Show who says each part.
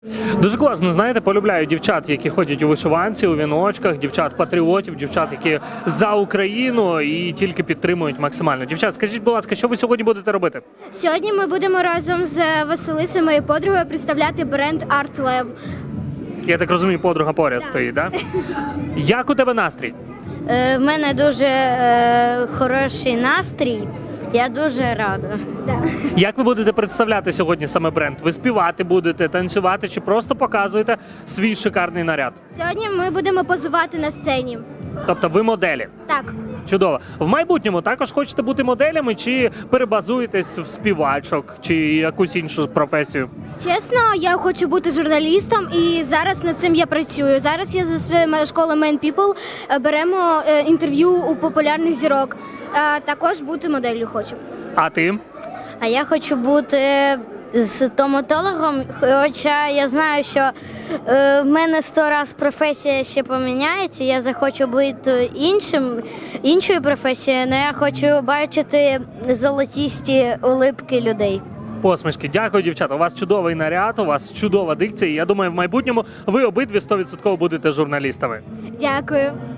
Speaker 1: Дуже класно, знаєте, полюбляю дівчат, які ходять у вишиванці, у віночках, дівчат-патріотів, дівчат, які за Україну і тільки підтримують максимально. Дівчат, скажіть, будь ласка, що ви сьогодні будете робити?
Speaker 2: Сьогодні ми будемо разом з Василисою, моєю подругою, представляти бренд Art Lab.
Speaker 1: Я так розумію, подруга поряд стоїть, так? Як у тебе настрій?
Speaker 3: В мене дуже хороший настрій. Я дуже рада.
Speaker 1: Як ви будете представляти сьогодні саме бренд? Ви співати будете, танцювати чи просто показуєте свій шикарний наряд?
Speaker 2: Сьогодні ми будемо позувати на сцені.
Speaker 1: Тобто ви моделі?
Speaker 2: Так.
Speaker 1: Чудово. В майбутньому також хочете бути моделями чи перебазуєтесь в співачок чи якусь іншу професію?
Speaker 2: Чесно, я хочу бути журналістом і зараз над цим я працюю. Зараз я за своєю школою Man People беремо інтерв'ю у популярних зірок. Також бути моделлю хочу.
Speaker 1: А ти?
Speaker 3: А я хочу бути стоматологом, хоча я знаю, що в мене 100 разів професія ще поміняється, я захочу бути іншою професією, але я хочу бачити золотісті улипки людей.
Speaker 1: Посмішки. Дякую, дівчата. У вас чудовий наряд, у вас чудова дикція. І я думаю, в майбутньому ви обидві 100% будете журналістами.
Speaker 2: Дякую.